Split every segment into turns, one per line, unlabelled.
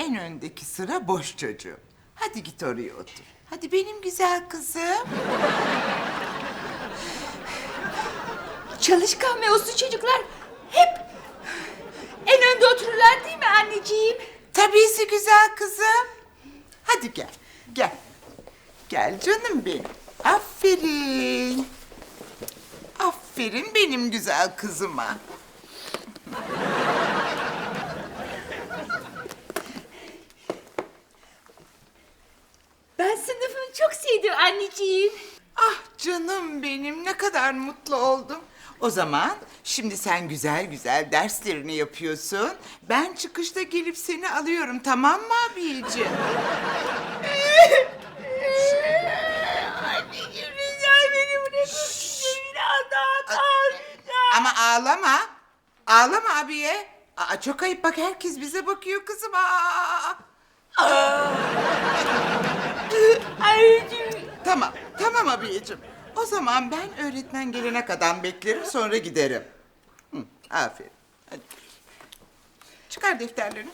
en öndeki sıra boş çocuğum. Hadi git oraya otur. Hadi benim güzel kızım.
Çalışkan ve uslu çocuklar hep en önde otururlar değil mi anneciğim?
Tabiisi güzel kızım. Hadi gel, gel. Gel canım benim. Aferin. Aferin benim güzel kızıma.
Ben sınıfımı çok sevdim anneciğim.
Ah canım benim, ne kadar mutlu oldum. O zaman şimdi sen güzel güzel derslerini yapıyorsun. Ben çıkışta gelip seni alıyorum, tamam mı abiciğim?
Anneciğim rica beni bırakın. Biraz daha kalacağım.
Ama ağlama. Ağlama abiye. Aa, çok ayıp, bak herkes bize bakıyor kızım.
Anneciğim.
Tamam, tamam abiyeciğim. O zaman ben öğretmen gelene kadar beklerim, sonra giderim. Hı, aferin. Hadi. Çıkar defterlerini.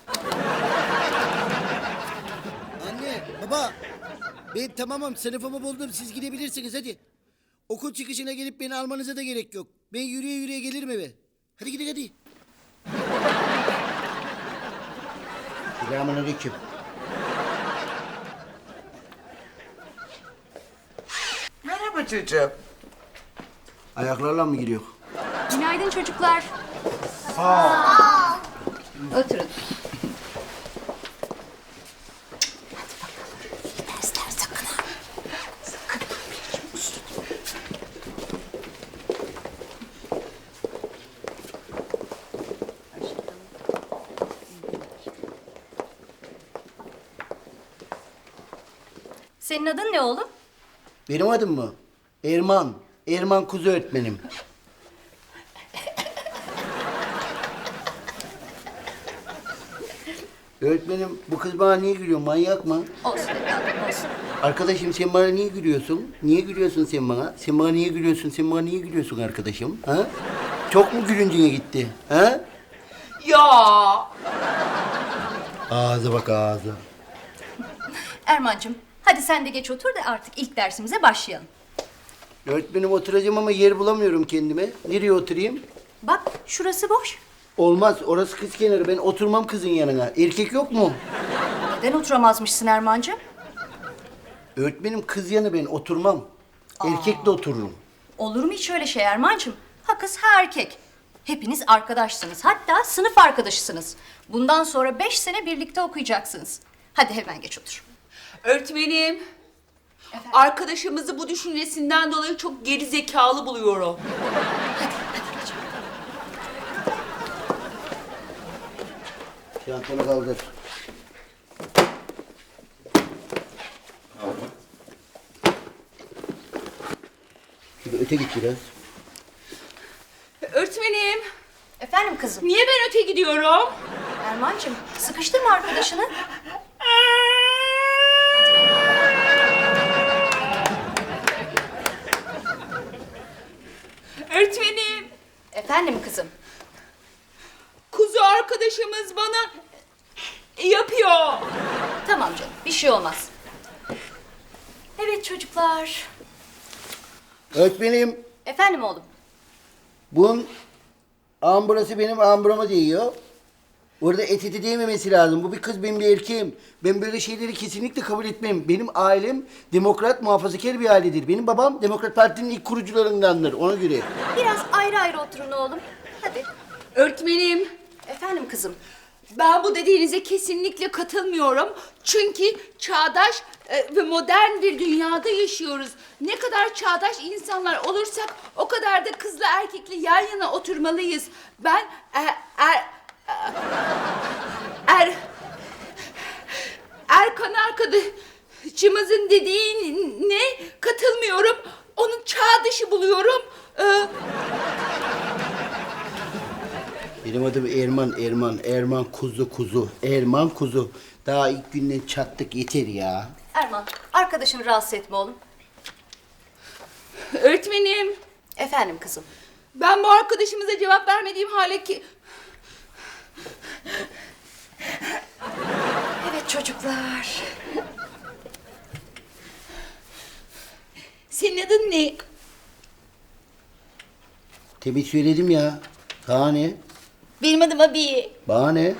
Anne, baba. Ben tamamım, sınıfımı buldum. Siz gidebilirsiniz hadi. Okul çıkışına gelip beni almanıza da gerek yok. Ben yürüye yürüye gelirim eve. Hadi gidin hadi. Selamünaleyküm.
Merhaba çocuğum.
Ayaklarla mı giriyor?
Günaydın çocuklar. Oturun.
Dersler sakın ha. Sakın.
Senin adın ne oğlum?
Benim adım mı? Erman. Erman Kuzu öğretmenim. Öğretmenim, bu kız bana niye gülüyor? Manyak mı?
Olsun evladım olsun.
Arkadaşım sen bana niye gülüyorsun? Niye gülüyorsun sen bana? Sen bana niye gülüyorsun? Sen bana niye gülüyorsun arkadaşım? Ha? Çok mu gülüncüne gitti? Ha?
Ya.
Ağza bak ağza.
Erman'cığım hadi sen de geç otur da artık ilk dersimize başlayalım.
Öğretmenim oturacağım ama yer bulamıyorum kendime. Nereye oturayım?
Bak şurası boş.
Olmaz, orası kız kenarı. Ben oturmam kızın yanına. Erkek yok mu?
Neden oturamazmışsın Erman'cığım?
Öğretmenim kız yanı ben oturmam. Erkekle otururum.
Olur mu hiç öyle şey Erman'cığım? Ha kız ha erkek. Hepiniz arkadaşsınız. Hatta sınıf arkadaşısınız. Bundan sonra 5 sene birlikte okuyacaksınız. Hadi hemen geç otur.
Öğretmenim. Arkadaşımızı bu düşüncesinden dolayı çok geri zekalı buluyorum.
Çantanı kaldır. Şöyle öte git biraz.
Öğretmenim.
Efendim kızım.
Niye ben öte gidiyorum?
Erman'cığım sıkıştırma arkadaşını.
Öğretmenim.
Efendim kızım.
Kuzu arkadaşımız bana yapıyor.
Tamam canım bir şey olmaz. Evet çocuklar.
Öğretmenim,
Efendim oğlum.
bunun amburası benim amburama değiyor. Orada etiti değmemesi lazım. Bu bir kız, ben bir erkeğim. Ben böyle şeyleri kesinlikle kabul etmem. Benim ailem demokrat, muhafazakar bir ailedir. Benim babam Demokrat Parti'nin ilk kurucularındandır. Ona göre.
Biraz ayrı ayrı oturun oğlum. Hadi.
Öğretmenim.
Efendim kızım.
Ben bu dediğinize kesinlikle katılmıyorum. Çünkü çağdaş ve modern bir dünyada yaşıyoruz. Ne kadar çağdaş insanlar olursak o kadar da kızla erkekle yan yana oturmalıyız. Ben Erkan arkadaşımızın dediğine katılmıyorum. Onu çağ dışı buluyorum.
Benim adım Erman, Erman. Erman Kuzu, Kuzu. Erman Kuzu. Daha ilk günden çattık, yeter ya.
Erman arkadaşını rahatsız etme oğlum.
Öğretmenim,
Efendim kızım.
ben bu arkadaşımıza cevap vermediğim hale ki...
çocuklar.
Senin adın ne?
Tebrik söyledim ya. Daha ne?
Benim adım Abi.
Bana ne?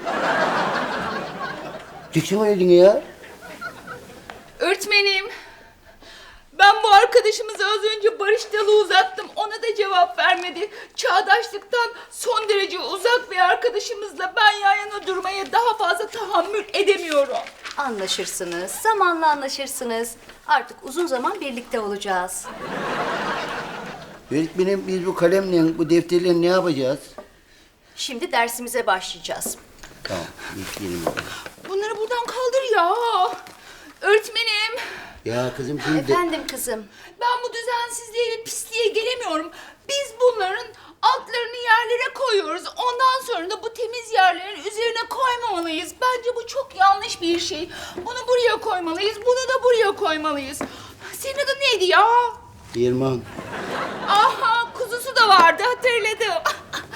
Çıksana elini ya.
Öğretmenim. Ben bu arkadaşımıza az önce barış dalı uzattım. Ona da cevap vermedi. Çağdaşlıktan son derece uzak bir arkadaşımızla ben yan yana durmaya daha fazla tahammül edemiyorum.
Anlaşırsınız, zamanla anlaşırsınız. Artık uzun zaman birlikte olacağız.
Öğretmenim biz bu kalemle, bu defterle ne yapacağız?
Şimdi dersimize başlayacağız.
Tamam, bekleyelim.
Bunları buradan kaldır ya. Öğretmenim.
Ya kızım şimdi...
Efendim kızım.
Ben bu düzensizliğe ve pisliğe gelemiyorum. Biz bunların altlarını yerlere koyuyoruz. Ondan sonra da bu temiz yerlerin üzerine koymamalıyız. Bence bu çok yanlış bir şey. Bunu buraya koymalıyız, bunu da buraya koymalıyız. Senin adın neydi ya?
Erman.
Aha, kuzusu da vardı, hatırladım.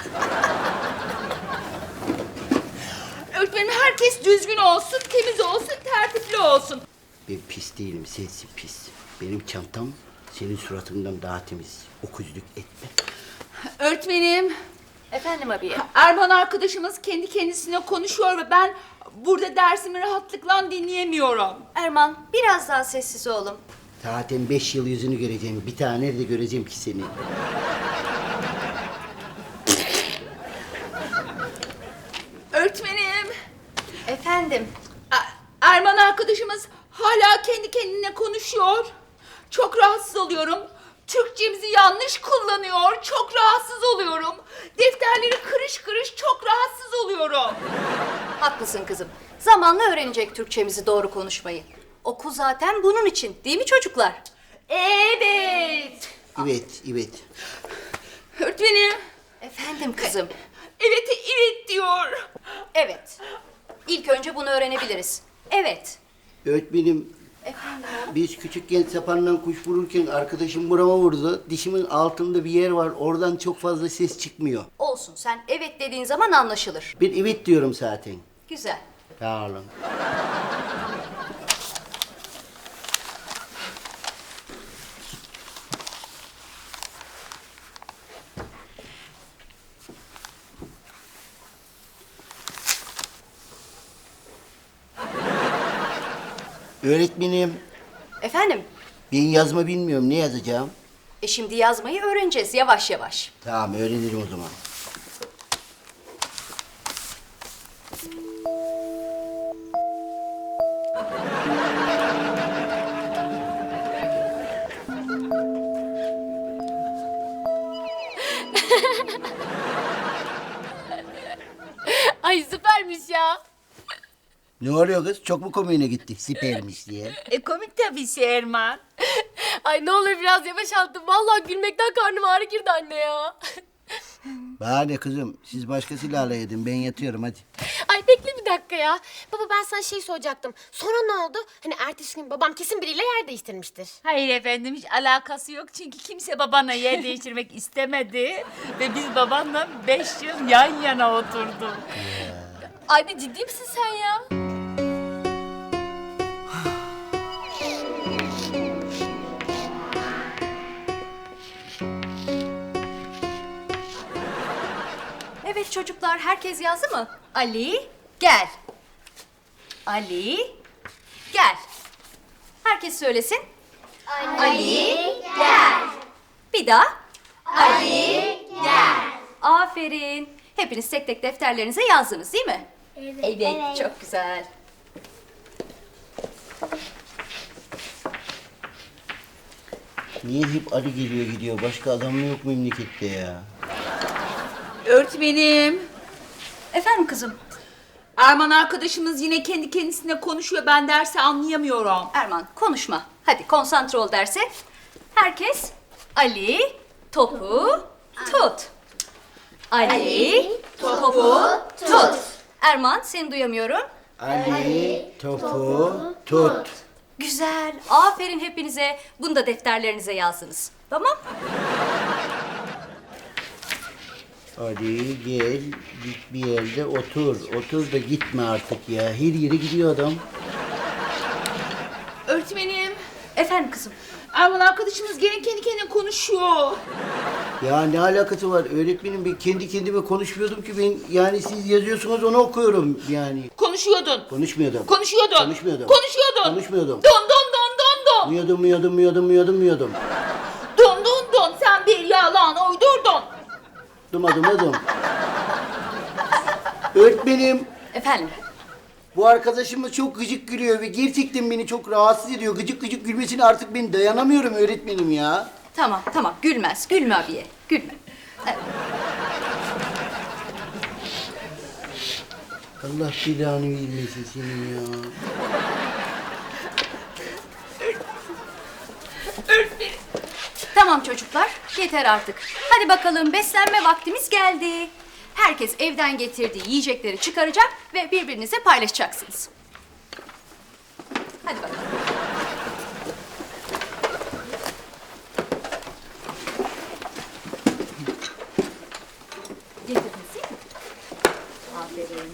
Öğretmenim, herkes düzgün olsun, temiz olsun, tertipli olsun.
Ben pis değilim, sensin pis. Benim çantam senin suratından daha temiz. Okuzluk etme.
Öğretmenim,
Efendim abiye.
Erman arkadaşımız kendi kendisine konuşuyor ve ben burada dersimi rahatlıkla dinleyemiyorum.
Erman, biraz daha sessiz oğlum.
Zaten 5 yıl yüzünü göreceğim. Bir tane nerede göreceğim ki seni?
Öğretmenim,
Efendim.
Erman arkadaşımız hala kendi kendine konuşuyor. Çok rahatsız oluyorum. Türkçemizi yanlış kullanıyor. Çok rahatsız oluyorum. Defterleri kırış kırış çok rahatsız oluyorum.
Haklısın kızım. Zamanla öğrenecek Türkçemizi doğru konuşmayı. Okul zaten bunun için, değil mi çocuklar?
Evet.
Evet, evet.
Öğretmenim,
Efendim kızım.
evet evet diyor.
Evet. İlk önce bunu öğrenebiliriz. Evet.
Öğretmenim,
Efendim.
biz küçükken sapanla kuş vururken arkadaşım burama vurdu. Dişimin altında bir yer var. Oradan çok fazla ses çıkmıyor.
Olsun, sen evet dediğin zaman anlaşılır.
Ben evet diyorum zaten.
Güzel.
Sağ olun. Öğretmenim,
Efendim.
ben yazma bilmiyorum. Ne yazacağım?
Şimdi yazmayı öğreneceğiz yavaş yavaş.
Tamam, öğrenirim o zaman.
Ay süpermiş ya.
Ne oluyor kız? Çok mu komiğine gitti? Sipermiş diye.
Komik tabii Erman.
Ay ne olur biraz yavaş attım. Vallahi gülmekten karnım ağrı girdi anne ya.
Bana ne kızım? Siz başkasıyla alay edin. Ben yatıyorum hadi.
Ay bekle bir dakika ya. Baba ben sana şey soracaktım. Sonra ne oldu? Hani ertesi gün babam kesin biriyle yer değiştirmiştir.
Hayır efendim, hiç alakası yok çünkü kimse babanla yer değiştirmek istemedi ve biz babanla 5 yıl yan yana oturduk.
Anne ciddi misin sen ya?
Evet çocuklar, herkes yazdı mı? Ali, gel. Ali, gel. Herkes söylesin. Ali, gel. Bir daha. Ali, gel. Aferin. Hepiniz tek tek defterlerinize yazdınız değil mi? Evet. Çok güzel.
Niye hep Ali geliyor gidiyor? Başka adam mı yok memlekette ya?
Öğretmenim,
Efendim kızım.
Erman arkadaşımız yine kendi kendisine konuşuyor. Ben dersi anlayamıyorum.
Erman konuşma. Hadi konsantre ol derse. Herkes Ali topu tut. Ali topu tut. Erman seni duyamıyorum.
Ali topu tut.
Güzel. Aferin hepinize. Bunu da defterlerinize yazdınız. Tamam?
Ali gel git bir yerde otur. Otur da gitme artık ya. Her yere gidiyor adam.
Öğretmenim,
Efendim kızım.
Erman arkadaşımız gene kendi kendine konuşuyor.
Ya ne alakası var öğretmenim, ben kendi kendime konuşmuyordum ki, ben yani siz yazıyorsunuz onu okuyorum yani.
Konuşuyordun.
Konuşmuyordum.
Konuşuyordun.
Konuşmuyordum.
Konuşuyordun.
Konuşmuyordum.
Don don don don don.
Muyordum.
Don don don. Sen bir yalan uydurdun.
Dumadım. Öğretmenim,
Efendim.
bu arkadaşımız çok gıcık gülüyor ve gerçekten beni çok rahatsız ediyor. Gıcık gıcık gülmesine artık ben dayanamıyorum öğretmenim ya.
Tamam. Gülmez. Gülme abiye. Gülme.
Allah belanı vermesin senin ya.
Tamam çocuklar, yeter artık. Hadi bakalım, beslenme vaktimiz geldi. Herkes evden getirdiği yiyecekleri çıkaracak ve birbirinize paylaşacaksınız. Hadi bakalım. Getirdiniz değil mi? Aferin.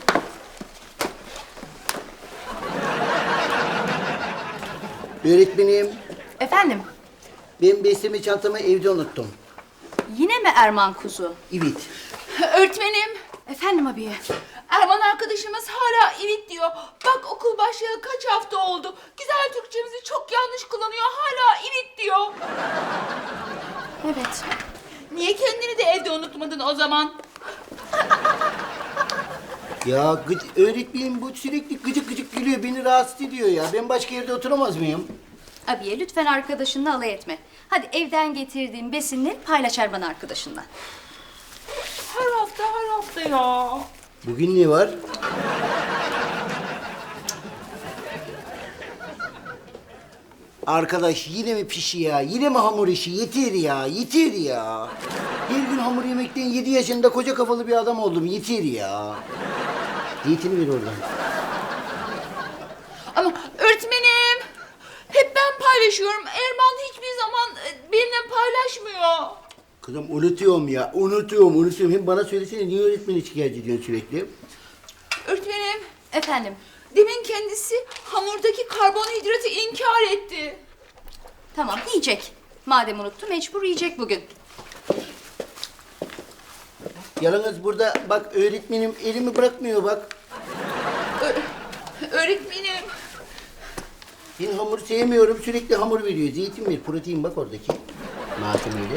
Öğretmenim,
Efendim,
ben besleme çantamı evde unuttum.
yine mi Erman kuzu?
Evet.
Öğretmenim,
Efendim abiye.
Erman arkadaşımız hala evet diyor. Bak okul başlayalı kaç hafta oldu. Güzel Türkçemizi çok yanlış kullanıyor. Hala evet diyor.
Evet.
Niye kendini de evde unutmadın o zaman?
Ya öğretmenim bu sürekli gıcık gıcık gülüyor, beni rahatsız ediyor ya. Ben başka yerde oturamaz mıyım?
Abiye lütfen arkadaşınla alay etme. Hadi evden getirdiğin besinleri paylaş Erman arkadaşınla.
Her hafta ya.
Bugün ne var? Arkadaş yine mi pişi ya? Yine mi hamur işi? Yeter ya. Her gün hamur yemekten 7 yaşında koca kafalı bir adam oldum. Yeter ya. Zeytini ver oradan.
Ama öğretmenim, hep ben paylaşıyorum. Erman hiçbir zaman benimle paylaşmıyor.
Kızım unutuyorum. Hem bana söylesene, niye öğretmeni şikayet ediyorsun sürekli?
Öğretmenim,
Efendim.
demin kendisi hamurdaki karbonhidratı inkar etti.
Tamam yiyecek. Madem unuttu mecbur yiyecek bugün.
Yalnız burada bak öğretmenim elimi bırakmıyor bak.
Öğretmenim,
Ben hamur sevmiyorum, sürekli hamur veriyor. Zeytin ver, protein bak oradaki malzemeyle.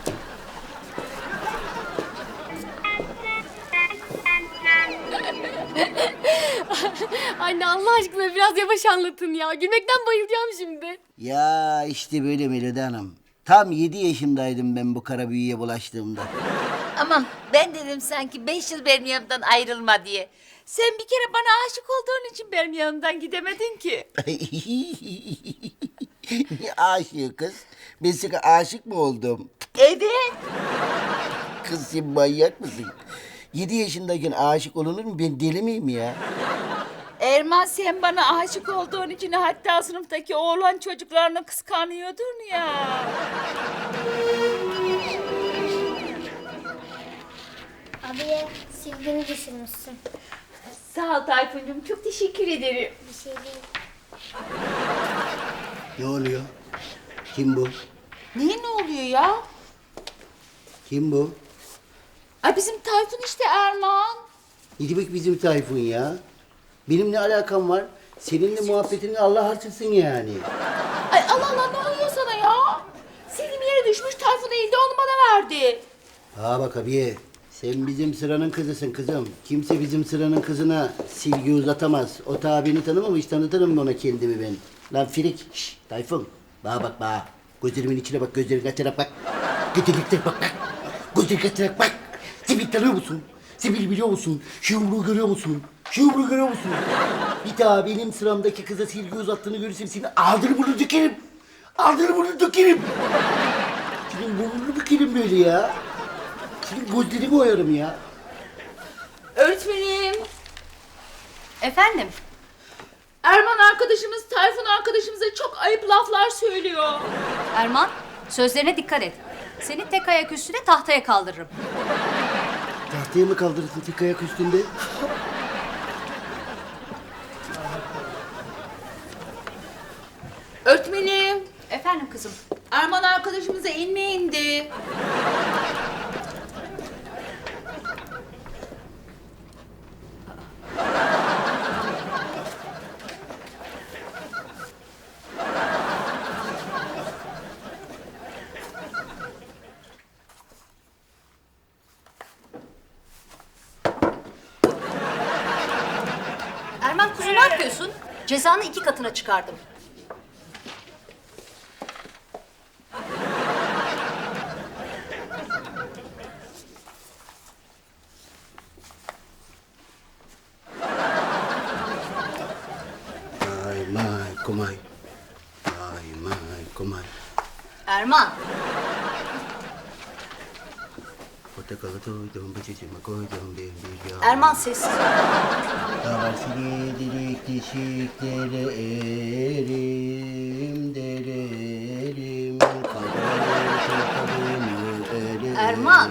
Anne Allah aşkına biraz yavaş anlatın ya. Gülmekten bayılacağım şimdi.
Ya işte böyle Melodi Hanım. Tam 7 yaşımdaydım ben bu kara büyüye bulaştığımda.
Aman ben dedim sanki 5 yıl benim yanımdan ayrılma diye. Sen bir kere bana aşık olduğun için benim yanımdan gidemedin ki.
Ne aşığı kız? Ben sana aşık mı oldum?
Evet.
Kız sen manyak mısın? 7 yaşındayken aşık olunur mu? Ben deli miyim ya?
Erman sen bana aşık olduğun için hatta sınıftaki oğlan çocuklarını kıskanıyordun ya.
Abiye sildiğini düşünmüşsün.
sağ ol Tayfuncuğum, çok teşekkür ederim.
Bir şey değil.
Ne oluyor? Kim bu?
Niye ne oluyor ya?
Kim bu?
Ay bizim Tayfun işte Erman.
Ne demek bizim Tayfun ya? Benim ne alakam var? Seninle muhabbetini Allah harçırsın yani.
Ay Allah Allah, ne oluyor sana ya? Sildim yere düşmüş, Tayfun eğildi onu bana verdi.
Ha bak abiye, sen bizim sıranın kızısın kızım. Kimse bizim sıranın kızına silgi uzatamaz. O ta beni tanımamış, tanıtırım ona kendimi ben. Lan Firik, şşş Tayfun. Bana bak bana. Gözlerimin içine bak, gözlerini açarak bak. Götürükler bak bak. Gözlerini açarak bak. Sibil tanıyor musun? Sibil biliyor musun? Şu yumruğu görüyor musun? Şu yumruğu görüyor musun? Bir daha benim sıramdaki kıza silgi uzattığını görürsem seni ağzını burnunu dökerim. Ağzını burnunu dökerim. Senin burnunu bükerim böyle ya. Senin gözlerini oyarım ya.
Öğretmenim,
Efendim.
Erman arkadaşımız Tayfun arkadaşımıza çok ayıp laflar söylüyor.
Erman sözlerine dikkat et. Seni tek ayak üstüne tahtaya kaldırırım.
Tahtaya mı kaldırırsın tek ayak üstünde?
Öğretmenim,
Efendim kızım.
Erman arkadaşımıza inme indi.
Erman kuzu ne yapıyorsun? Cezanı 2 katına çıkardım.
Ay may kumay. Ay may kumay.
Erman.
Portakalı doydum, bıçacıma koydum bir yağ.
Erman sessiz ol.
Havasını delik dişiklere erim dererim.
Erman.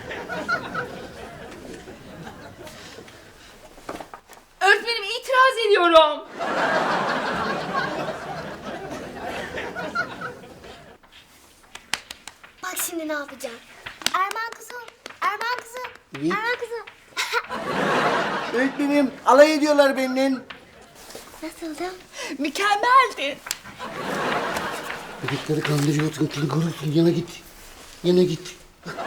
Öğretmenim itiraz ediyorum.
Bak şimdi ne yapacağım. Erman kızım. Erman kızım.
Evet.
Erman kızım.
Öğretmenim alay ediyorlar benden.
Nasıldı?
Mükemmeldi.
Bebekleri kandırıyorsun, kim görürsün, yana git. Yana git.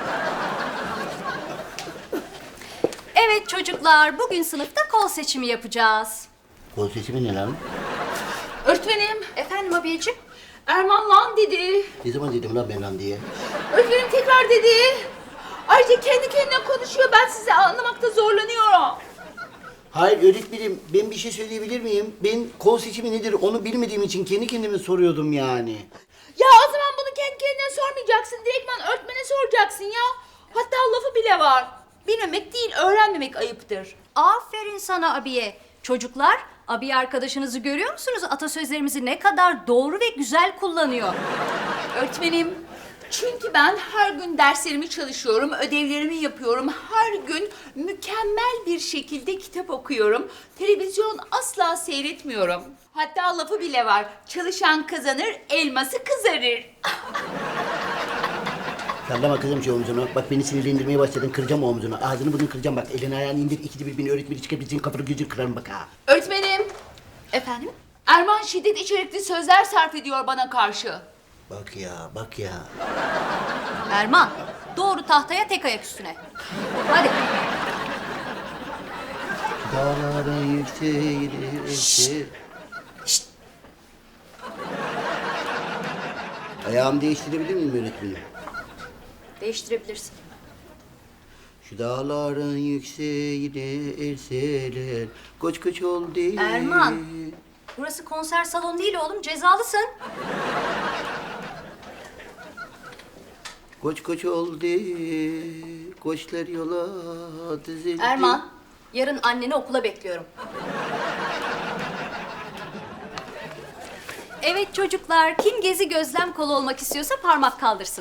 Evet çocuklar, bugün sınıfta kol seçimi yapacağız.
Kol seçimi ne lan?
Öğretmenim,
Efendim abiyeciğim?
Erman lan dedi.
Ne zaman dedim lan ben lan diye?
Öğretmenim tekrar dedi. Ayrıca kendi kendine konuşuyor. Ben sizi anlamakta zorlanıyorum.
Hayır öğretmenim, ben bir şey söyleyebilir miyim? Ben kol seçimi nedir onu bilmediğim için kendi kendime soruyordum yani.
Ya o zaman bunu kendi kendine sormayacaksın. Direktman öğretmene soracaksın ya. Hatta lafı bile var. Bilmemek değil, öğrenmemek ayıptır.
Aferin sana abiye. Çocuklar, abiye arkadaşınızı görüyor musunuz? Atasözlerimizi ne kadar doğru ve güzel kullanıyor.
Öğretmenim, çünkü ben her gün derslerimi çalışıyorum, ödevlerimi yapıyorum. Her gün mükemmel bir şekilde kitap okuyorum. Televizyon asla seyretmiyorum. Hatta lafı bile var. Çalışan kazanır, elması kızarır.
Sallama kızım şu omzunu. Bak beni sinirlendirmeye başladın, kıracağım o omzunu. Ağzını burnunu kıracağım bak. Elini ayağını indir, ikide bir beni öğretmeni çıkabileceğin kafanı gözünü kırarım bak ha.
Öğretmenim,
Efendim?
Erman şiddet içerikli sözler sarf ediyor bana karşı.
Bak ya, bak ya.
Erman, doğru tahtaya tek ayak üstüne. Hadi.
Dağlara yükselir.
Şşt.
Ayağımı değiştirebilir miyim öğretmenim?
Değiştirebilirsin.
Şu dağların yükseğine erseler. Koç koç oldu.
Erman. Burası konser salonu değil oğlum, cezalısın.
Koç koç oldu. Koçlar yola dizildi.
Erman, yarın anneni okula bekliyorum. Evet çocuklar, kim gezi gözlem kolu olmak istiyorsa parmak kaldırsın.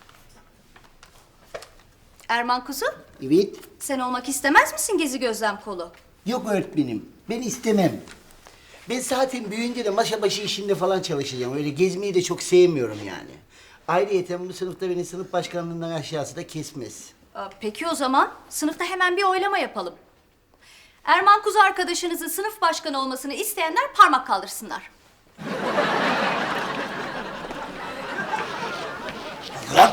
Erman kuzu,
Evet.
sen olmak istemez misin gezi gözlem kolu?
Yok öğretmenim. Ben istemem. Ben zaten büyüyünce de masa başı işinde falan çalışacağım. Öyle gezmeyi de çok sevmiyorum yani. Ayrıyeten bu sınıfta beni sınıf başkanlığından aşağısı da kesmez.
Peki o zaman sınıfta hemen bir oylama yapalım. Erman kuzu arkadaşınızın sınıf başkanı olmasını isteyenler parmak kaldırsınlar.
Lan!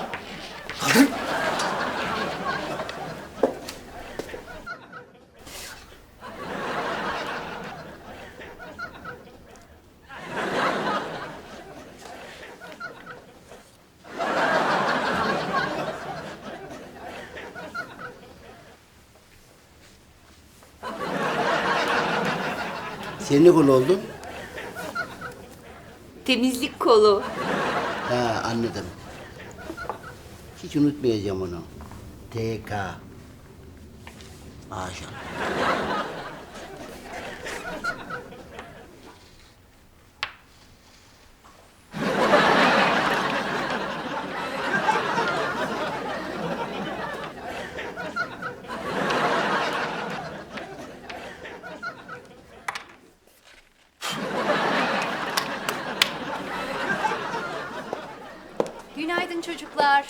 Sen ne konu oldun?
Temizlik kolu.
Ha anladım. Hiç unutmayacağım onu. TK. Maşallah.
geldin çocuklar.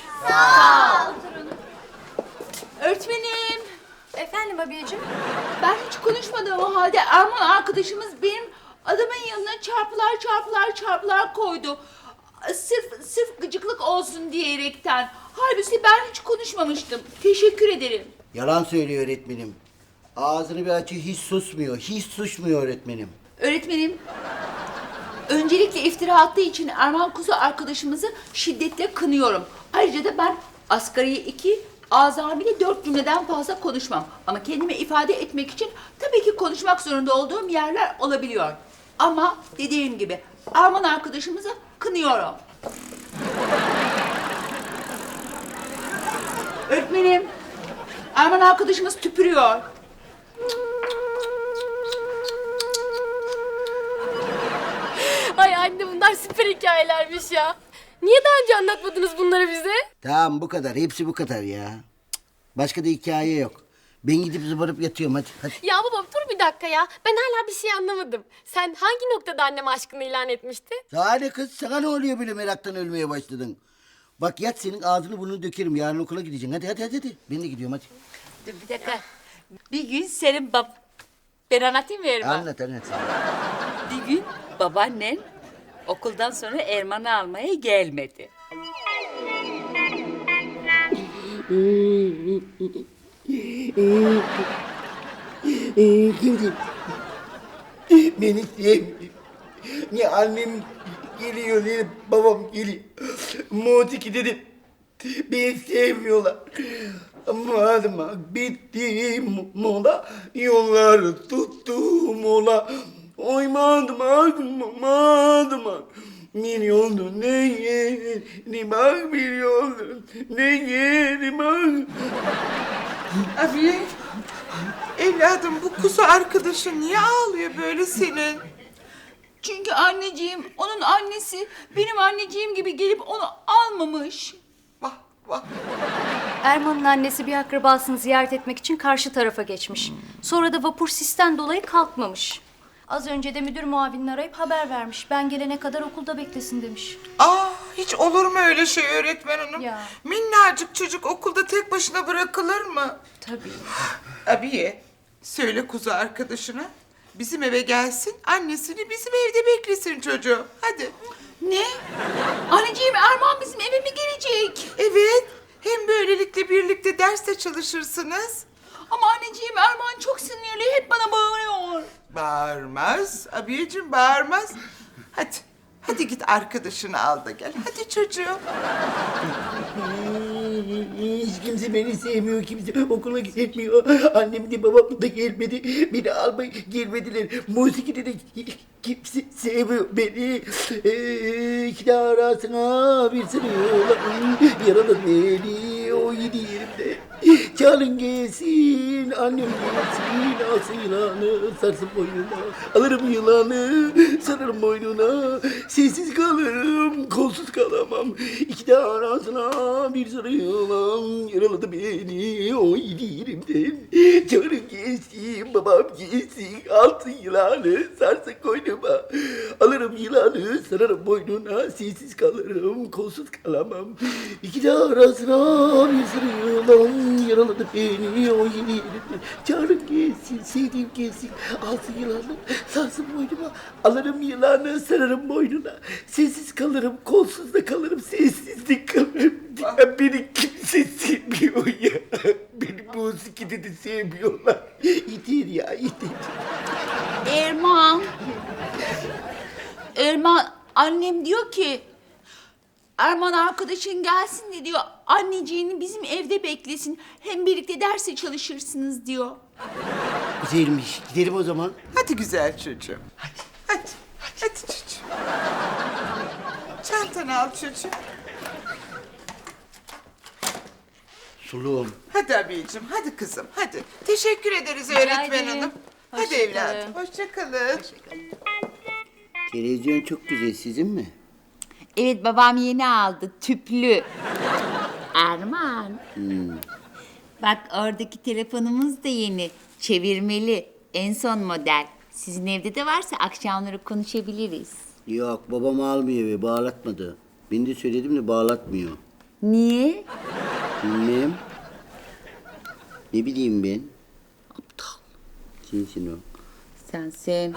Öğretmenim,
Efendim abiyeciğim?
ben hiç konuşmadığım o halde Erman arkadaşımız benim adamın yanına çarpılar koydu. Sırf gıcıklık olsun diyerekten. Halbuki ben hiç konuşmamıştım. Teşekkür ederim.
Yalan söylüyor öğretmenim. Ağzını bir açıyor, hiç susmuyor. Hiç susmuyor öğretmenim.
Öğretmenim, öncelikle iftira attığı için Erman Kuzu arkadaşımızı şiddetle kınıyorum. Ayrıca da ben asgari 2, azami 4 cümleden fazla konuşmam. Ama kendimi ifade etmek için tabii ki konuşmak zorunda olduğum yerler olabiliyor. Ama dediğim gibi Erman arkadaşımızı kınıyorum. Öğretmenim, Erman arkadaşımız tüpürüyor.
Ay anne bunlar süper hikayelermiş ya. Niye daha önce anlatmadınız bunları bize?
Tamam bu kadar. Hepsi bu kadar ya. Cık. Başka da hikaye yok. Ben gidip zıbarıp yatıyorum hadi.
Ya baba dur bir dakika ya. Ben hala bir şey anlamadım. Sen hangi noktada anneme aşkını ilan etmiştin?
Daha ne kız? Sana ne oluyor böyle meraktan ölmeye başladın? Bak yat senin ağzını burnunu dökerim. Yarın okula gideceksin. Hadi. Ben de gidiyorum hadi.
Dur bir dakika. Bir gün senin ben anlatayım mı Erman?
Anlat.
Bir gün babaannen okuldan sonra Erman'ı almaya gelmedi.
Kimdi? Beni sevmiyor. Ne annem geliyor ne babam geliyor. Motiki dedim. Beni sevmiyorlar. Madımak bitti mola. Yollar tuttu mola. Oy madımak. Bir yoldu ne yerim bak bir yoldu ne yerim bak.
Abi, evladım bu kuzu arkadaşın niye ağlıyor böyle senin?
Çünkü anneciğim, onun annesi benim anneciğim gibi gelip onu almamış.
Vah.
Erman'ın annesi bir akrabasını ziyaret etmek için karşı tarafa geçmiş. Sonra da vapur sisten dolayı kalkmamış. Az önce de müdür muavinini arayıp haber vermiş. Ben gelene kadar okulda beklesin demiş.
Hiç olur mu öyle şey öğretmen hanım?
Ya.
Minnacık çocuk okulda tek başına bırakılır mı?
Tabii.
Abiye, söyle kuzu arkadaşına. Bizim eve gelsin, annesini bizim evde beklesin çocuğu. Hadi.
Ne? Anneciğim, Erman bizim eve mi gelecek?
Evet, hem böylelikle birlikte derste çalışırsınız.
Ama anneciğim, Erman çok sinirli, hep bana bağırıyor.
Bağırmaz, abiyeciğim bağırmaz. Hadi git arkadaşını al da gel. Hadi çocuğum.
Hiç kimse beni sevmiyor, kimse okula gitmiyor. Annem de babam da gelmedi. Beni almaya gelmediler. Musikide de kimse sevmiyor beni. İki arasına bir sürüyorlar. Yaralı beni o yedi yerimde. Çalın gelsin, annem gelsin. Alsın yılanı, sarsın boynuna. Alırım yılanı, sararım boynuna. Sessiz kalırım, kolsuz kalamam. İki arasına bir sarı yılan. Yaraladı beni o yedi yerimden. Çalın gelsin, babam gelsin. Alsın yılanı, sarsın koynuma. Alırım yılanı, sararım boynuna. Sessiz kalırım, kolsuz kalamam. İki arasına bir sarı yılan. Yaraladı beni o yedi yerimden. Çağırın gelsin, sevdiğim gelsin. Alsın yılanı, sarsın boynuma. Alırım yılanı, sararım boynuna. Sessiz kalırım, kolsuz da kalırım, sessizlik kalırım. Ya beni kimse sevmiyor ya. Beni bu musikide de sevmiyorlar. Yeter ya, yeter.
Erman, annem diyor ki... Erman arkadaşın gelsin de diyor, anneciğini bizim evde beklesin. Hem birlikte derse çalışırsınız diyor.
Güzelmiş, gidelim o zaman.
Hadi güzel çocuğum. Hadi çocuğum. Çantanı al çocuğum.
Suluğum.
Hadi abiyeciğim, hadi kızım, hadi. Teşekkür ederiz öğretmen
ederim.
hanım. Hadi
Hoşça kalın.
evladım, hoşça kalın.
Televizyon çok güzel, sizin mi?
Evet babam yeni aldı tüplü. Erman. Bak oradaki telefonumuz da yeni. Çevirmeli. En son model. Sizin evde de varsa akşamları konuşabiliriz.
Yok, babam almıyor ve bağlatmadı. Ben de söyledim de bağlatmıyor.
Niye?
Bilmem. Ne bileyim ben? Aptal. Sensin o.
Sen.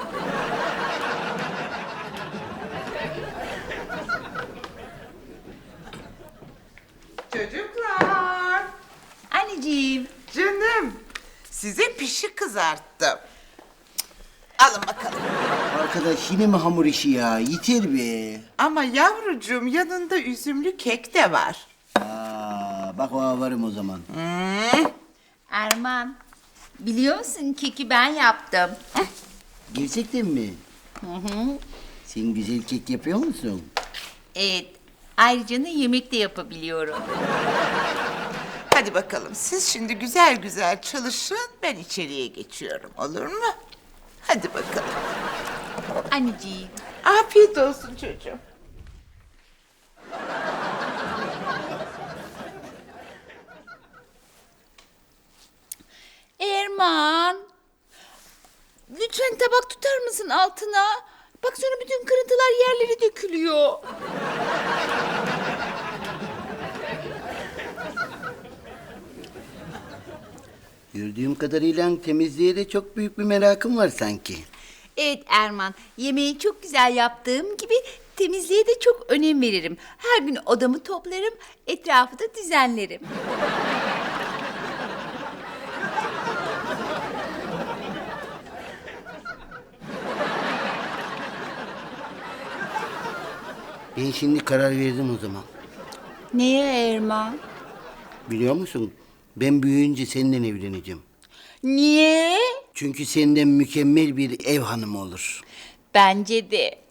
Çocuklar.
Anneciğim.
Canım. Size pişi kızarttım. Alın bakalım.
Arkadaş yine mi hamur işi ya? Yeter be.
Ama yavrucuğum yanında üzümlü kek de var.
Bak o varım o zaman.
Erman, biliyor musun keki ben yaptım.
Gerçekten mi? Sen güzel kek yapıyor musun?
Evet, ayrıca da yemek de yapabiliyorum.
Hadi bakalım siz şimdi güzel güzel çalışın. Ben içeriye geçiyorum olur mu? Hadi bakalım.
Anneciğim.
Afiyet olsun çocuğum.
Erman. Lütfen tabak tutar mısın altına? Bak sonra bütün kırıntılar yerlere dökülüyor.
Gördüğüm kadarıyla temizliğe de çok büyük bir merakım var sanki.
Evet Erman, yemeği çok güzel yaptığım gibi temizliğe de çok önem veririm. Her gün odamı toplarım, etrafı da düzenlerim.
Ben şimdi karar verdim o zaman.
Neye Erman?
Biliyor musun? Ben büyüyünce seninle evleneceğim.
Niye?
Çünkü senden mükemmel bir ev hanımı olur.
Bence de.